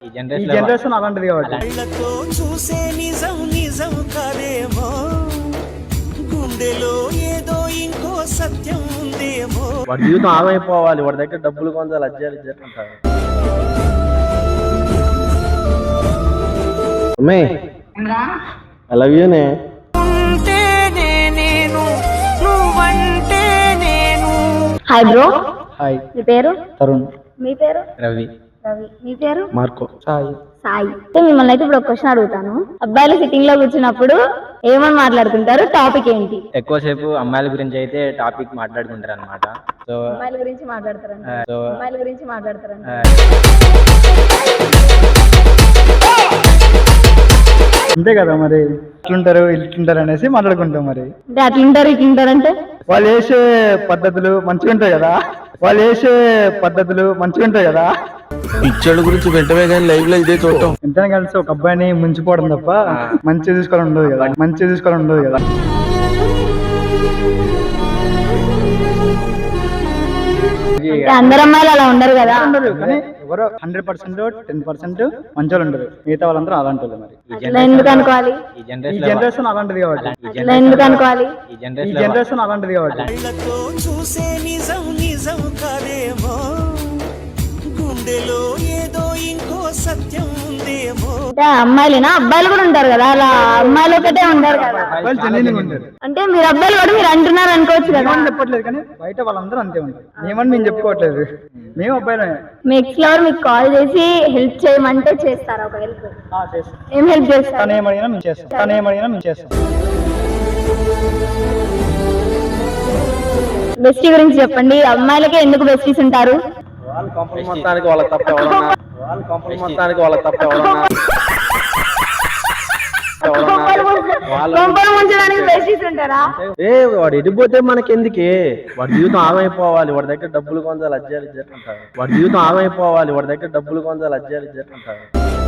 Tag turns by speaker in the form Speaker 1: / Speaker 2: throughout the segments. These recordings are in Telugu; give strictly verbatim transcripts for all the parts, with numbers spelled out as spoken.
Speaker 1: ఈ జనరేషన్ అలాంటిది కాబట్టి
Speaker 2: చూసే నిజం నిజం కాదేమో, గుండెలో ఏదో ఇంకో సత్యం ఉందేమో.
Speaker 3: వాడి జీవితం ఆమైపోవాలి, వాడి దగ్గర డబ్బులు కొంచెం అజ్జాలు ఇచ్చేస్తుంటారు. అమ్మే ఐ లవ్ యూ నే.
Speaker 4: Hi bro.
Speaker 1: హాయ్.
Speaker 4: మీ పేరు?
Speaker 1: తరుణ్.
Speaker 4: మీ పేరు?
Speaker 1: రవి.
Speaker 4: రవి. మీ పేరు?
Speaker 3: మార్కో.
Speaker 1: సాయి.
Speaker 4: సాయి. అయితే మిమ్మల్ని అయితే ఇప్పుడు ఒక క్వశ్చన్ అడుగుతాను. అబ్బాయిలు సిట్టింగ్ లో కూర్చున్నప్పుడు ఏమని మాట్లాడుకుంటారు? టాపిక్ ఏంటి?
Speaker 1: ఎక్కువసేపు అమ్మాయిల గురించి అయితే టాపిక్ మాట్లాడుకుంటారు అనమాట. సో
Speaker 4: అమ్మాయిల గురించి మాట్లాడతారంట.
Speaker 1: సో
Speaker 4: అమ్మాయిల గురించి మాట్లాడతారంట.
Speaker 1: అంతే కదా మరి, ఇట్లుంటారు ఇట్లుంటారు అనేసి మాట్లాడుకుంటాం. మరి
Speaker 4: అంటే అట్లుంటారు ఇట్లుంటారు అంటే
Speaker 1: వాళ్ళు వేసే పద్ధతులు మంచిగా ఉంటాయి కదా, వాళ్ళు వేసే పద్ధతులు మంచిగా ఉంటాయి కదా.
Speaker 3: పిచ్చోళ్ళ గురించి వెంటనే కానీ లైవ్ లో ఇదే చూడటం.
Speaker 1: ఎంతనే కలిసి ఒక అబ్బాయిని ముంచిపోవడం తప్ప మంచిగా తీసుకోవడం ఉండదు కదా, మంచిగా తీసుకోవడం ఉండదు కదా.
Speaker 4: అంటే అందరు అమ్మాయిలు అలా ఉండరు కదా.
Speaker 1: కానీ ఎవరో హండ్రెడ్ పర్సెంట్ టెన్ పర్సెంట్ మంచి వాళ్ళు ఉండరు, మిగతా వాళ్ళందరూ అలాంటి వాళ్ళు. మరి
Speaker 4: అట్లా ఎందుకు అనుకోవాలి?
Speaker 1: ఈ జనరేషన్ అలాంటిది కాబట్టి
Speaker 4: అట్లా ఎందుకు అనుకోవాలి?
Speaker 1: ఈ జనరేషన్ అలాంటిది కాబట్టి
Speaker 2: కళ్ళతో చూసే నిజం నిజం కాదేమో, గుండెలో ఏదో ఇంకో సత్యం ఉందేమో.
Speaker 4: అంటే అమ్మాయిలేనా? అబ్బాయిలు కూడా ఉంటారు కదా, అలా అమ్మాయిలు ఒకటే ఉంటారు కదా.
Speaker 1: అబ్బాయిలు జెన్యున్గా ఉంటారు.
Speaker 4: అంటే మీరు అబ్బాయిలు కూడా మీరు అంటున్నారు అనుకోవచ్చు కదా.
Speaker 1: మేమని చెప్పట్లేదు, కానీ బయట వాళ్ళందరూ అంతే ఉంటారు. మేమని మేము చెప్పుకోవట్లేదు, మేము అబ్బాయిలే.
Speaker 4: మీ ఎక్స్ లవర్ మీకు కాల్ చేసి హెల్ప్ చేయమంటే చేస్తారా? ఒక హెల్ప్
Speaker 1: చేస్తాం.
Speaker 4: ఏం హెల్ప్ చేస్తారు?
Speaker 1: తను ఏమడిగినా మేము చేస్తాం, తను ఏమడిగినా మేము చేస్తాం.
Speaker 4: బెస్టీ గురించి చెప్పండి. అమ్మాయిలకే ఎందుకు బెస్టీస్ ఉంటారు?
Speaker 3: వాళ్ళ కంపెనీ మొత్తానికి వాళ్ళ తప్ప ఎవరన్నా వాళ్ళ కంపెనీ మొత్తానికి వాళ్ళ తప్ప ఎవరన్నా
Speaker 4: కొంపలు ముంచడానికి బెస్టీస్ ఉంటారా?
Speaker 3: ఏ వాడు ఎడిపోతే మనకి ఎందుకే, వాడి జీవితం ఆమైపోవాలి, వాడి దగ్గర డబ్బులు కొంచెం అజ్జాలు ఇచ్చేస్తుంటారు. వాడి జీవితం ఆమైపోవాలి, వాడి దగ్గర డబ్బులు కొంచెం అజ్జాలు ఇచ్చేస్తుంటారు.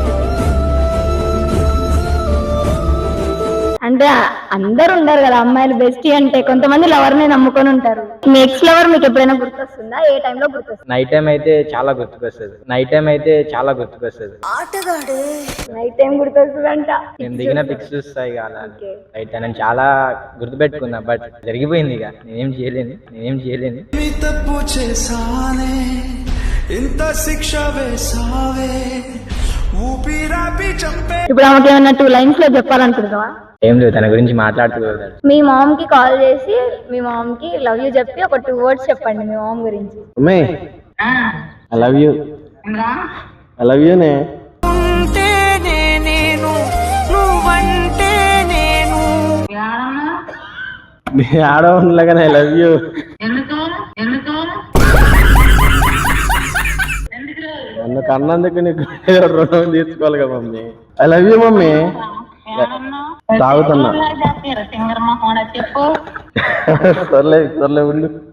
Speaker 4: అంటే అందరు ఉండరు కదా అమ్మాయిలు బెస్టీ అంటే, కొంతమంది లవర్ ని నమ్ముకొని ఉంటారు. మీ ఎక్స్ లవర్ మీకు ఎప్పుడైనా గుర్తొస్తుందా? ఏ టైంలో గుర్తొస్తుంది?
Speaker 1: నైట్ టైం అయితే చాలా గుర్తుకొస్తుంది. నైట్ టైం అయితే చాలా గుర్తుకొస్తుంది.
Speaker 4: నైట్ టైం గుర్తొస్తుందంట.
Speaker 1: నేను దిగిన పిక్స్ చూస్తాయి కదా నైట్ నేను చాలా గుర్తుపెట్టుకున్నా. బట్ జరిగిపోయింది, ఇక నేనేం చేయలేను, నేనేం చేయలేను.
Speaker 2: తప్పు చేసానే, ఇంత శిక్ష వేసావే, ఊపిరాపి చంపే.
Speaker 4: ఇప్పుడు ఆమెకి ఏమన్నా టూ లైన్స్ లో చెప్పాలనుకుంటున్నావా?
Speaker 1: ఏం లేదు, తన గురించి మాట్లాడుకోగలరు.
Speaker 4: మీ మామ్ కి కాల్ చేసి మీ మామ్ కి లవ్ యూ చెప్పి ఒక టూ వర్డ్స్ చెప్పండి మీ మామ్ గురించి.
Speaker 3: అమ్మే I love you. I love you నే. మీ ఆడవాళ్ళగానే ఐ లవ్ యూ. నన్ను కన్నందుకు నీకు రుణం తీర్చుకోవాలి కదా mummy. I love you mummy. తాగుతున్నా. సర్లే సర్లే ఉండు.